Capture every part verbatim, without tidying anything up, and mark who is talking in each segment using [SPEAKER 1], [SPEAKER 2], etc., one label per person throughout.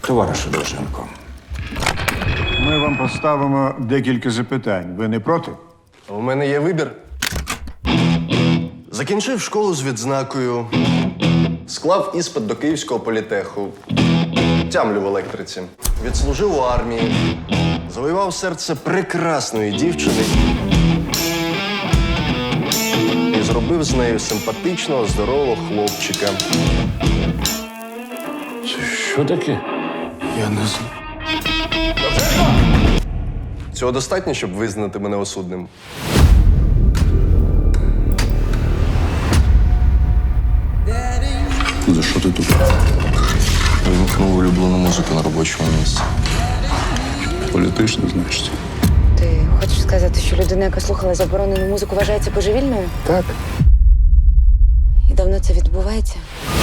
[SPEAKER 1] Товаришу Довженко,
[SPEAKER 2] Ми вам поставимо декілька запитань. Ви не проти?
[SPEAKER 3] У мене є вибір. Закінчив школу з відзнакою, склав іспит до Київського політеху, тямлю в електриці, відслужив у армії, завоював серце прекрасної дівчини і зробив з нею симпатичного, здорового хлопчика.
[SPEAKER 1] що таке?
[SPEAKER 3] Я не знаю. Цього достатньо, щоб визнати мене осудним?
[SPEAKER 4] За що ти тут?
[SPEAKER 3] Вимкнув улюблену музику на робочому місці.
[SPEAKER 4] Політично, значить.
[SPEAKER 5] Ти хочеш сказати, що людина, яка слухала заборонену музику, вважається божевільною?
[SPEAKER 3] Так.
[SPEAKER 5] І давно це відбувається?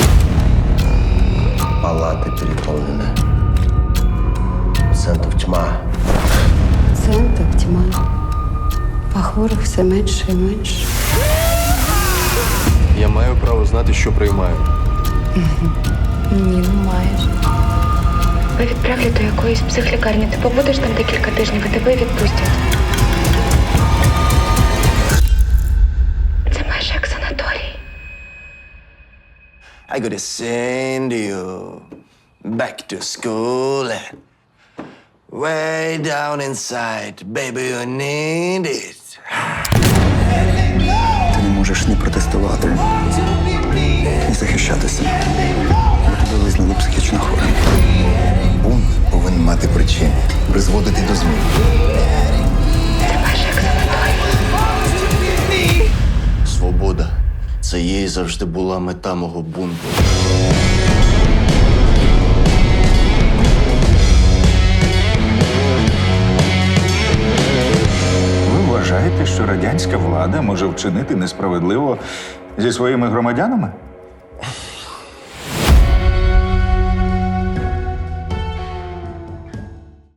[SPEAKER 6] Палаты переполнены. Пациентов тьма.
[SPEAKER 7] Пацієнтів тьма, а хворих все менше і менше.
[SPEAKER 3] Я маю право знати, що приймаю.
[SPEAKER 5] Ні, не маєш.
[SPEAKER 8] Тебе відправлять до якоїсь психлікарні. Ти побудеш там декілька тижнів і тебе відпустять. Це майже як санаторій.
[SPEAKER 3] I gotta send you back to school. Way down inside, baby, you need it.
[SPEAKER 4] Ти не можеш ні протестувати, ні захищатися. Бо тебе визнали психічно хворим.
[SPEAKER 6] Бунт повинен мати причини, призводити до змін.
[SPEAKER 8] Це майже як санаторій.
[SPEAKER 3] Свобода. Це їй завжди була мета мого бунту.
[SPEAKER 1] Ви вважаєте, що радянська влада може вчинити несправедливо зі своїми громадянами?